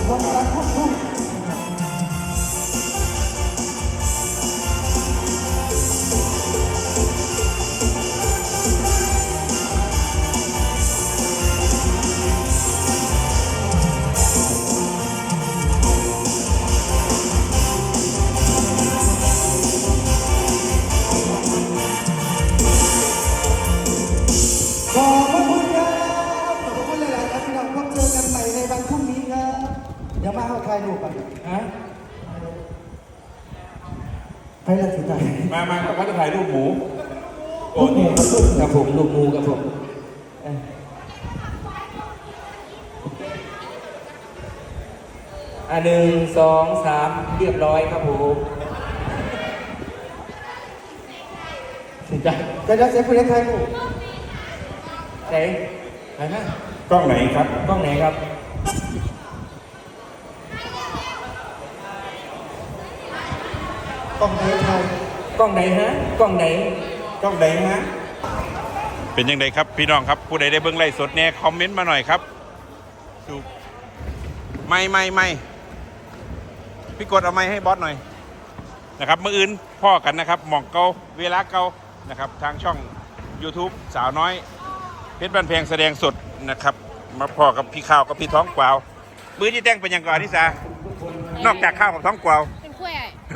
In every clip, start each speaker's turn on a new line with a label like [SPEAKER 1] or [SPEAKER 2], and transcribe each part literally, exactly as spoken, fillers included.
[SPEAKER 1] คนรักทุกทุกอย่ามาเอาใครดูกันฮะใครละสิใจ
[SPEAKER 2] มามาเขาจะถ่ายรูปหมู
[SPEAKER 1] ลูกหมูกับผมลูกหมูกับผม
[SPEAKER 3] อ่ะหนึ่งสองสามเรียบร้อยครับผมสิใจ
[SPEAKER 1] จะจะเสียคุณเล็กใครดู
[SPEAKER 3] ไหนไหนฮะ
[SPEAKER 2] กล้องไหนครับ
[SPEAKER 3] กล้องไหนครับ
[SPEAKER 1] กล้องไหนใคร
[SPEAKER 3] กล้องไหนฮะกล้องไหน
[SPEAKER 2] กล้องไหนฮะเป็นยังไงครับพี่น้องครับผู้ใดได้เบิ่งไลฟ์สดเนี่ยคอมเมนต์มาหน่อยครับดูไม่ไม่ไม่พี่กดเอาไม้ให้บอสหน่อยนะครับเมื่ออื่นพ่อกันนะครับหม่องเกาเวลาเกานะครับทางช่อง YouTube สาวน้อยเพชรบ้านแพงแสดงสดนะครับมาพ่อกับพี่ข้าวกับพี่ท้องกวาวมือที่แต่งเป็นยังก่อนที่สานอกจากข้าวกับท้องกวาว
[SPEAKER 4] เป็นกล้วย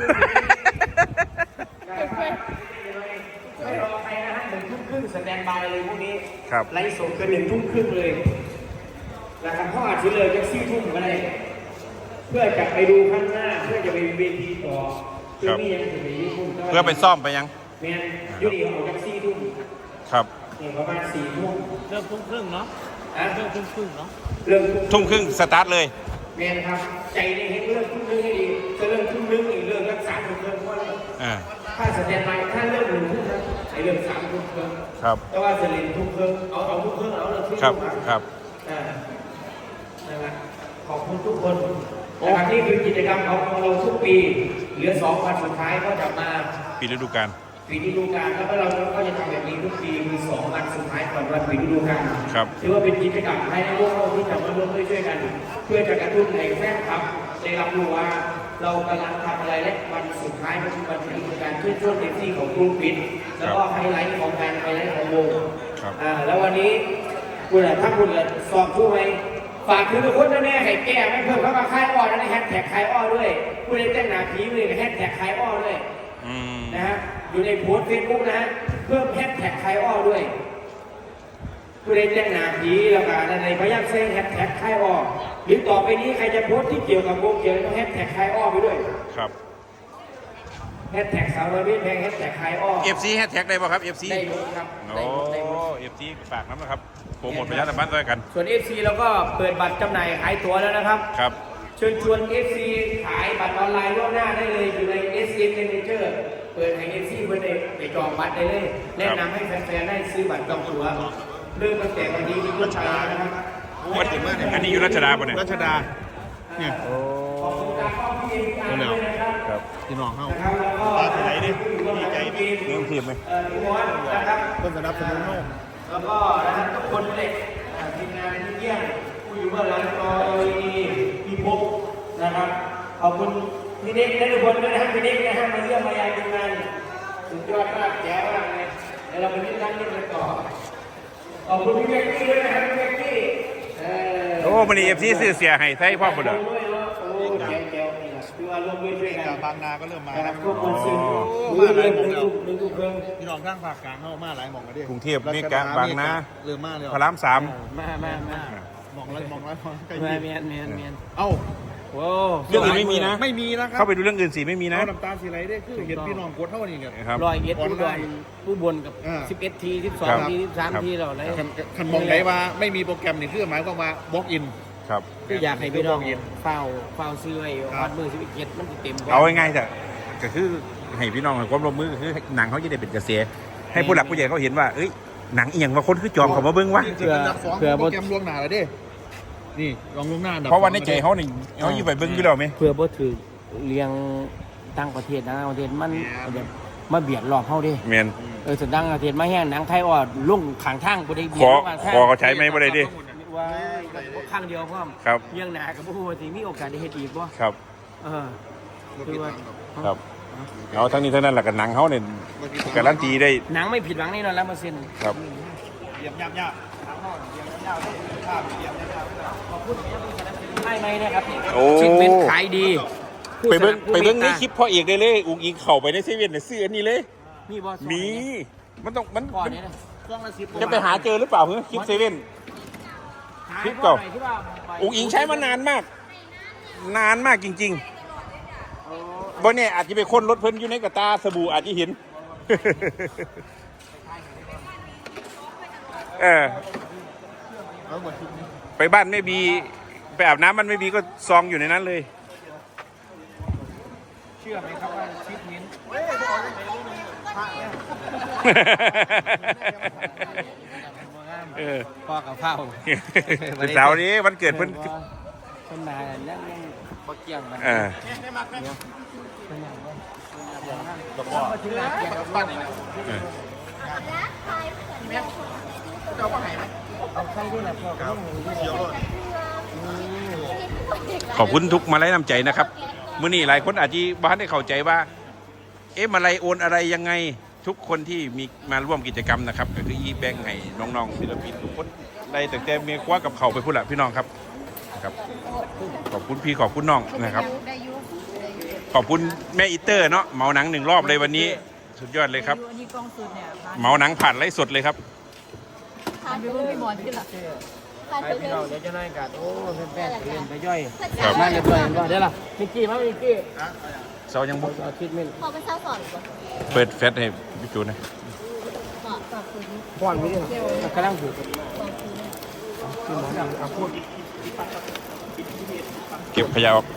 [SPEAKER 3] ไม่รอใครนะฮะหนึ่งทุ่มครึ่งสแตนบายเลยพวกนี้
[SPEAKER 2] ครับ
[SPEAKER 3] ไลฟ์สดเกินหนึ่งทุ่มครึ่งเลยนะครับเขาอาจจะเลยจะสี่ทุ่มก็ได้เพื่อจะไปดูข้างหน้าเพื่อจะไปเวทีต่อเพื่อที่ยังจะไปญี่ปุ่น
[SPEAKER 2] เพื่อไปซ่อมไปยัง
[SPEAKER 3] แมนยูดีเขาจะสี่ทุ่ม
[SPEAKER 2] ครับ
[SPEAKER 3] เนี่ยประมาณสี่ทุ่ม
[SPEAKER 4] เริ่มทุ่มครึ่งเนาะเริ่มทุ่มครึ่งเนาะ
[SPEAKER 3] เริ่ม
[SPEAKER 2] ทุ่มครึ่งสตาร์ทเลย
[SPEAKER 3] แมนครับใจในเห็นเริ่มทุ่มครึ่งให้ดีจะเริ่มทุ่มครึ่งอีกเริ่มรักษาทุ่มครึ่งเพราะถ้าสแตนบายถ้าเริ่มหนึ่งทุ่มไอ้เริ่มสามทุ่มครึ่ง
[SPEAKER 2] ครับ
[SPEAKER 3] แต่ว่าจะเล่นทุ่มครึ่งเอาเอาทุ่มครึ่งเอาเลย
[SPEAKER 2] ครับครับ
[SPEAKER 3] อ่านะครับขอบคุณทุกคนนะครับนี่คือกิจกรรมของเราทุกปีเหลือสองวันสุดท้ายก็จะมา
[SPEAKER 2] ปีฤดูกาล
[SPEAKER 3] ปีฤดูกาลแล้วก็เราก็จะทำแบบนี้ทุกปีคือสองวันสุดท้ายก่อนวันปีฤดูกาล
[SPEAKER 2] ครับ
[SPEAKER 3] ถือว่าเป็นกิจกรรมให้พวกเราที่จะมาร่วมด้วยช่วยกันเพื่อจะกระตุ้นให้แฟนคลับได้รับรู้ว่าเรากำลังทำอะไรและวันสุดท้ายก็คือวันปีฤดูกาลช่วยช่วยเต็มที่ของกลุ่มปิดแล้วก็ไฮไลท์ของการไฮไลท์ของวงอ่าแล้ววันนี้คุณถ้าคุณสอบช่วยฝากถึงทุกคนแน่ๆให้แก้ไม่เพิ่มเข้ามาคลายอ้อนะแฮชแท็กคลายอ้อด้วยผู้เล่นเต้นหนาผีเลยแฮชแท็กคลายอ้อด้วยนะฮะอยู่ในโพสต์เฟซบุ๊กนะฮะเพิ่มแฮชแท็กคลายอ้อด้วยผู้เล่นเต้นหนาผีแล้วก็ในพยายามเซ็นแฮชแท็กคลายอ้อหรือต่อไปนี้ใครจะโพสต์ที่เกี่ยวกับวงเกี่ยวกับแฮชแท็กคลายอ้อไปด้วย
[SPEAKER 2] ครับ
[SPEAKER 3] แฮชแท็กสาวน้อยเพชรแพงแฮชแท็กคลายอ้อ
[SPEAKER 2] เอฟ ซี แฮชแท็กได้ป่ะครับ เอฟ ซี
[SPEAKER 3] ได้หมดครับ
[SPEAKER 2] โอ้ เอฟ ซี ฝากน้ำนะครับโปรโมทประชาสัมพันธ์ด้วยกัน
[SPEAKER 3] ส่วน เอฟ ซี เราก็เปิดบัตรจำหน่ายขายตั๋วแล้วนะครับ
[SPEAKER 2] ครับ
[SPEAKER 3] เชิญชวน เอฟ ซี ขายบัตรออนไลน์ล่วงหน้าได้เลยอยู่ใน เอส เอ็ม Manager เปิดให้ เอฟ ซี เพื่อไปจองบัตรได้เลยแนะนำให้แฟนๆได้ซื้อบัตรจองตั๋วเริ่มตั้งแต่วันนี้ที่รัชดานะครับ
[SPEAKER 2] อันนี้อยู่รัชดาป่ะเนี่ย
[SPEAKER 5] รัชดาเนี่ย
[SPEAKER 3] ขอบคุณการเข้าพิธีการด้วยนะครับ
[SPEAKER 2] ครับ
[SPEAKER 5] พี่น้องเข้า
[SPEAKER 3] ตาที่ไหนดิ
[SPEAKER 5] ดีใจดิ
[SPEAKER 2] เรื่องทีมไหม
[SPEAKER 3] เอ่อทุกคนนะครับ
[SPEAKER 5] ต้นสนับสนุนโลก
[SPEAKER 3] แล้วก็นะครับทุกคนเลยทีมงานที่เยี่ยมผู้อยู่เบื้องหลังต่อเอลีพี่พกนะครับขอบคุณพี่เด็กและทุกคนด้วยนะครับพี่เด็กนะฮะมาเยี่ยมมายามทีมงานสุดยอดมากแจ๋วมากเลยแล้วเราไปเล่นนั่งเล่นกันต่อขอบคุณพี่เบกกี้ด้วยนะครับพี่เบกกี้
[SPEAKER 2] โอ้มันนี่เอฟซีซื้อเสียให้ไทยพ่อบุญเหรอ
[SPEAKER 5] บางนาก็เริ่มมาครับ
[SPEAKER 3] มาหลายหม่องแล้ว
[SPEAKER 5] พี่น้องข้างภาคกลางเข้ามาหลายหม่องกันดิ
[SPEAKER 2] กรุงเทพนี่กะบางนา
[SPEAKER 5] เริ่มมาเลย
[SPEAKER 2] พระรามสาม
[SPEAKER 3] มามามา
[SPEAKER 5] หม่องละหม่องละ
[SPEAKER 3] ใกล้เมียนเมียนเมียน
[SPEAKER 5] เอ้า
[SPEAKER 3] โว้
[SPEAKER 2] เรื่องอื่นไม่มีนะ
[SPEAKER 5] ไม่มีนะครับ
[SPEAKER 2] เข้าไปดูเรื่องอื่นสิไม่มีนะ
[SPEAKER 5] น้ำตาสีไหลได้คือเห็นพี่น้องกดเท่านี้
[SPEAKER 2] ครับ
[SPEAKER 3] รอยเอ็ดผู้บนผู้บนกับสิบเอ็ดทีสิบสองทีสิบสามทีเราเลย
[SPEAKER 5] คันมองไหนว่าไม่มีโปรแกรมนี่คือหมายความว่าบล็อกอิน
[SPEAKER 2] ครับ
[SPEAKER 3] คืออยากให้พี่น้องเฝ้าเฝ้าซื้อไอ้ฮอตมือสิบเอ็ดมันเต็ม
[SPEAKER 2] เอาง่ายๆแต่ก็คือให้พี่น้องความร่วมมือคือหนังเขาจะได้เป็นกระแสให้ผู้หลักผู้ใหญ่เขาเห็นว่าเอ้ยหนังเอียงว่าคนคือจอมเขามาเบิ้งวะ
[SPEAKER 5] เผื่อเผื่อโปรแกรมล่วงหน้าแล้วดินี่ลองล่วงหน้า
[SPEAKER 2] เพราะวันในใจเขานี่เขาอยู่ไปเบิ้งอยู่แล้วไหม
[SPEAKER 3] เผื่อบ่ถือเลี้ยงต่างประเทศนะประเทศมันแบบมาเบียดหลอกเขาดิ
[SPEAKER 2] เมน
[SPEAKER 3] เออสุดดังประเทศมาแห้งหนังไทยอ่อนลุ่งขังทางบ่ได้เบียด
[SPEAKER 2] ขอขอเขาใช้ไหมบ่ได้ดิ
[SPEAKER 3] อว่าครั้งเดียวพ่อม
[SPEAKER 2] ครับ
[SPEAKER 3] เลี้ยงหนากับผู้ที่มีโอกาสได้เฮ็ดอีกบ่
[SPEAKER 2] ครับ
[SPEAKER 3] เออคือว่า
[SPEAKER 2] ครับเอาทั้งนี้ทั้งนั้นแหละกับหนังเขาเนี่ยการันตีได้
[SPEAKER 3] หนังไม่ผิดหวังแน่นอนแล้วมาเซ็น
[SPEAKER 2] ครับ
[SPEAKER 3] ไม่ไม่นะครับ
[SPEAKER 2] โอ้
[SPEAKER 3] ชิ้นเป็นขายดี
[SPEAKER 2] ไปเบิ้ง
[SPEAKER 3] ผู้
[SPEAKER 2] ไปเบิ้ง
[SPEAKER 3] ส
[SPEAKER 2] ใน
[SPEAKER 3] นับ
[SPEAKER 2] คลิปพ่อเอกได้เลยอุ้งอิงเข้าไปในเซเว่นเนี่ยซื้ออันนี้เลย
[SPEAKER 3] มีบ่
[SPEAKER 2] มี มันต้องมัน
[SPEAKER 3] ก่อน
[SPEAKER 2] มัน
[SPEAKER 3] เนี่ยนะช่วงละสิบ
[SPEAKER 2] จะไปหาเจอหรือเปล่าเฮ้ยคลิปเซเว่น คลิปเก่า อุ้งอิงใช้มานานมาก นานมากจริงๆบ่เนี่ยอาจจะไปค้นรถเพิ่นอยู่ในกระตาสบู่อาจจะเห็น เออไปบ้านไม่บีไปอาบน้ำมันไม่บีก็ซองอยู่ในนั้นเลย
[SPEAKER 3] เชื่อไหมครับว่าชิปมิ้น
[SPEAKER 2] เออ
[SPEAKER 3] พ่อกับข้าว
[SPEAKER 2] เสาร์นี้วันเกิดเพิ่น
[SPEAKER 3] เพิ่นมาแล้วยังบ่เกี่ยงกัน
[SPEAKER 2] เออ
[SPEAKER 3] มาถึงร้านเกี่ยงกับบ้านเอาใครด้วยล่ะพ่อครับ
[SPEAKER 2] ขอบคุณทุกมาลัยน้ำใจนะครับมื้อนี้หลายคนอาจจะบ้านได้เข้าใจว่า เอ๊ะมาลัยโอนอะไรยังไงทุกคนที่มีมาร่วมกิจกรรมนะครับก็คืออีแบงค์ให้น้องๆศิลปินทุกคนได้แต่แต่เมียคว้ากับเขาไปพูดละพี่น้องครับครับขอบคุณพี่ขอบคุณน้องนะครับ ขอบคุณแม่อีเตอร์เนาะเหมาหนังหนึ่งรอบเลยวันนี้สุดยอดเลยครับ
[SPEAKER 6] อันนี้กล้องสุดเนี่ย
[SPEAKER 2] เหมาหนังผ่านไลฟ์สดเลยครับ
[SPEAKER 6] ทานไปเพิ่งพี่หมอนที่หลักทาน
[SPEAKER 3] ไป
[SPEAKER 6] ไป
[SPEAKER 3] พี่
[SPEAKER 6] เพิ่
[SPEAKER 3] น้อง งเดี๋ยวจะนั่งกันโอ้แฟนๆเรียนไปย่อย
[SPEAKER 2] ครับ
[SPEAKER 3] มาเรียบร้อยแล้วเดี๋ยวล่ะมิกกี้มามิกกี้
[SPEAKER 2] เสายังบุก
[SPEAKER 3] เอาคิดเม่น
[SPEAKER 6] พอเป็นเช้าสอนก่อน
[SPEAKER 2] เปิดแฟลชให้พี่จูนนะ
[SPEAKER 6] ก่อนก่อนคืนนี้
[SPEAKER 3] ป้อนไม่ได้กำลังผูก
[SPEAKER 6] ก่อนคืนนี้
[SPEAKER 3] คือหมอเอาเอาพูด
[SPEAKER 2] เก็บขยะออก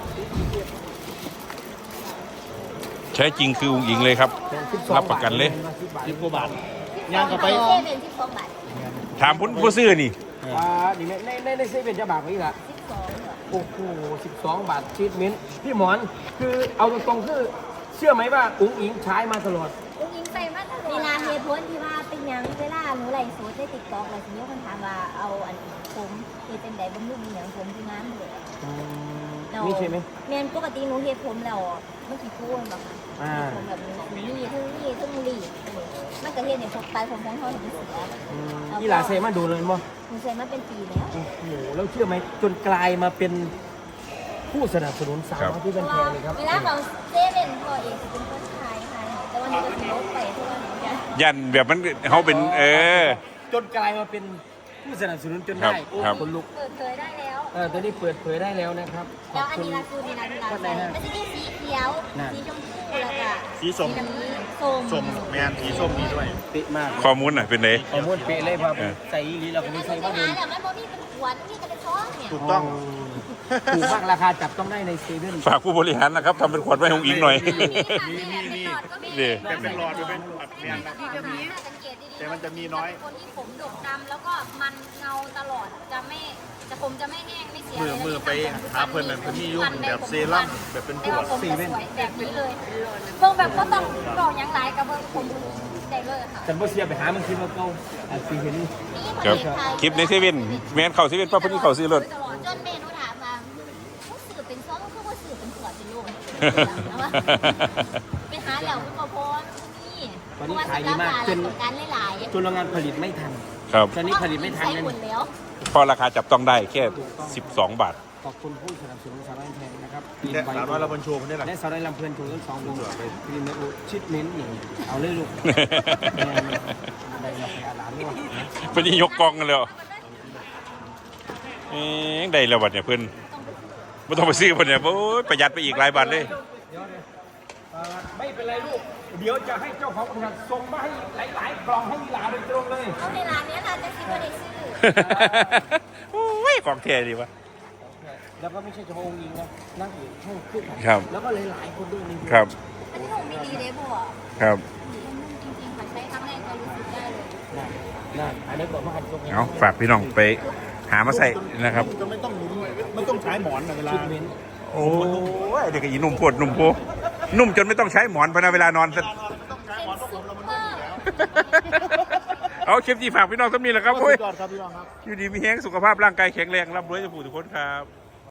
[SPEAKER 2] ใช้จริงคืออุ้งอิงเลยครับ รับประกันเลย
[SPEAKER 3] สิบกว่าบาท
[SPEAKER 6] ย่างกับไปเซเว่นสิบสองบาท
[SPEAKER 2] ถามผู้ผู้ซื้อนี่
[SPEAKER 3] อ่านี่ในในในเซเว่นจะบาทนี้ละ
[SPEAKER 6] สิบสองเหรอ
[SPEAKER 3] โอ้โหสิบสองบาทชีทมิ้นท์พี่หมอนคือเอาตรงๆคือเชื่อไหมว่าอุ้งอิงใช้มาตลอด
[SPEAKER 6] อุ้งอิงไปมากเวลาเหตุผลที่ว่าเป็นยังเวลาหนูไลฟ์สดได้ติดต่ออะไรทีนี้คนถามว่าเอาอันผมเฮ็ดเป็นไดบำรุงอย่างผมที่งานเลย
[SPEAKER 3] นี่ใช่ไหม
[SPEAKER 6] แม่นปกติหนูเฮ็ดผมแล้วมันสิพูดบ่ค่ะ
[SPEAKER 3] อ่า
[SPEAKER 6] ผมแบบนี้นี่ทั้งนี่ทั้งรีดมันก็เฮ็ดให้พวกปลายผมของเฮานี่เสีย
[SPEAKER 3] อืมนี่หลาเซมาดูเลยมั้ง
[SPEAKER 6] หนูใช้มาเป็นปีแล้ว
[SPEAKER 3] โอ้โหแล้วเชื่อไหมจนกลายมาเป็นผู้สนับสนุนสาวน้อยที่
[SPEAKER 6] เพ
[SPEAKER 3] เป็น
[SPEAKER 6] ราะ
[SPEAKER 3] แพ
[SPEAKER 6] ว่าง
[SPEAKER 3] เลยครับ
[SPEAKER 6] เวลาเขาเซเว่นพอเองจะเป็นคนขายค่ะแต่วันนี้ก็ถือลบไปเพราะว่าหนูจะ
[SPEAKER 2] ยันแบบมันเขาเป็นเออ
[SPEAKER 3] จนกลายมาเป็นผู้สนับสนุนจน
[SPEAKER 2] ครับ
[SPEAKER 3] ได้โอ้
[SPEAKER 2] ครับ
[SPEAKER 3] คนลุก
[SPEAKER 6] เปิดเผยได้แล้ว
[SPEAKER 3] เออตอนนี้เปิดเผยได้แล้วนะครับข
[SPEAKER 6] แล้
[SPEAKER 3] อ
[SPEAKER 6] ว
[SPEAKER 3] บ
[SPEAKER 6] อัน
[SPEAKER 3] คุณ
[SPEAKER 6] นี้ล่ะคือนี่นะที่ร้าน
[SPEAKER 3] ก็ได้
[SPEAKER 6] ใส่
[SPEAKER 3] ฮะ
[SPEAKER 6] มันจะมีสีเขียว
[SPEAKER 3] น่ะ
[SPEAKER 6] สีชมพูแล้วก็
[SPEAKER 5] สีส้ม
[SPEAKER 6] น้ำเงินส้ม
[SPEAKER 5] ส้มแมนสีส้มนี้ด้วย
[SPEAKER 3] เป๊ะมาก
[SPEAKER 2] ข้อมูลหน่อยเป็นไง
[SPEAKER 3] ข้อมูลเป๊ะเลยครับ
[SPEAKER 2] เออ
[SPEAKER 3] ใส่อีหลีเราก็
[SPEAKER 6] อัน
[SPEAKER 3] ไม่
[SPEAKER 6] นั้น
[SPEAKER 3] ใส่
[SPEAKER 6] คือ
[SPEAKER 3] ว่า
[SPEAKER 6] ใช่
[SPEAKER 3] เดิ
[SPEAKER 6] ไหม
[SPEAKER 3] ม
[SPEAKER 6] แต่มันบ่มีเป็นขวดมีแต่เป็นช้อนเนี่ย
[SPEAKER 5] ถูกต้อง
[SPEAKER 3] ถูกมากราคาจับต้องได้ในเซเว่น
[SPEAKER 2] ฝากผู้บริหารนะครับทำเป็นขวดไว้ของอิงหน่อย
[SPEAKER 6] มีค่ะมีมีก็มี
[SPEAKER 2] นี่
[SPEAKER 5] แต่เป็นหลอดเป็นแบบแมนนะ
[SPEAKER 6] แบบนี้สังเกตดีๆ
[SPEAKER 5] แต่มันจะมีน้อย
[SPEAKER 6] คนที่ผมดกดำแล้วก็มันเงาตลอดจะไม่จะผมจะไม่แห้งไม่เสีย
[SPEAKER 5] มือมือไปหาเพิ่นนั่นเพิ่นมีอยู่แบบเซรั่มแบบเป็นขวด
[SPEAKER 6] ผมจะสวยแบบนี้เลยเบิ่งแบบก็ต้องรอยังไรกับเบิ่งผมได้เลยค่ะ
[SPEAKER 3] ฉันบ่เสียไปหามันคิดว่าเก่าอาจสิเห็น
[SPEAKER 6] นี่
[SPEAKER 2] ครับคลิปในเซเว่นแมนเข้าเซเว่นป้าพอดีเข้าซื้อรถ
[SPEAKER 6] ตลอดจนเมนูถามมาผู้สื่อเป็นซ้อมคือว่าสื่อเป็นขวดเป็นลูกไปหาแล้วคุณพ่อนี่การหลาย
[SPEAKER 3] จนโรงงานผลิตไม่ทัน
[SPEAKER 2] ครับ
[SPEAKER 3] ตอนนี้ผลิตไม่ทัน
[SPEAKER 6] ใช้
[SPEAKER 3] นั่น
[SPEAKER 6] หมดแล้ว
[SPEAKER 2] พอราคาจับต้องได้แค่สิบสองบาท
[SPEAKER 3] ขอบคุณผู้สนับสนุนสาวน้อยแพงนะครับ
[SPEAKER 5] แต่สาวน้อยเราบรรโชว์คนนี้แหละ
[SPEAKER 3] และสาวน้อยลำเพลินถูกทั้งสองวงทีมในอุชิดเน้นอย่างเอาเลยลูกได้เราไปอาหลานด้วย
[SPEAKER 2] เป็นยกกองกันเลยเหรอเอ๊ะได้แล้วบัดเนี่ยเพื่อนไม่ต้องไปซื้อเพื่อนเนี่ยโอ้ยประหยัดไปอีกหลายบาทเลย
[SPEAKER 3] ไม่เป็นไรลูก เดี๋ยวจะให้เจ้าของบริษัทส่งมาให้หลายๆกล่องให้หลานโดยตรงเลย
[SPEAKER 6] เอาในร้านนี้ค่ะจะซื้อมาได้ซื้อ
[SPEAKER 2] โอ้ยของเท่ดีวะ
[SPEAKER 3] แล้วก็ไม่ใช่เฉพาะองค์ยิงนะนั่งอยู่ห้องขึ้น
[SPEAKER 2] ครับ
[SPEAKER 3] แล้วก็หลายๆคนด้วยนี่
[SPEAKER 2] ครับ
[SPEAKER 6] อันนี้ผมไม่ดีเลยบัว
[SPEAKER 2] ครับ
[SPEAKER 6] จริงๆค่ะใช้ครั้งแรกก็รู้สึกได้เลย
[SPEAKER 3] นั่นนั่นอันนี้บอกว่าอันตรง
[SPEAKER 2] เอาฝากพี่น้องไปหามาใส่นะครับ
[SPEAKER 5] จะไม่ต้องหนุนไม่ต้องใช้หมอนนะเวลา
[SPEAKER 3] ชุดเม้น
[SPEAKER 2] โอ้ยเด็กอีนุ่มปวดนุ่มโพนุ่มจนไม่ต้องใช้หมอนพอนะเวลานอน
[SPEAKER 6] เป็นซุปเปอร์
[SPEAKER 2] เอาคลิปที่ฝากพี่น้องต้องมีแหละครับโอ้ย
[SPEAKER 5] สุดยอดครับพี่น้องครับ
[SPEAKER 2] อยู่ดีมีแห้งสุขภาพร่างกายแข็งแรงร่ำรวยจะผู้ทุกคนครับ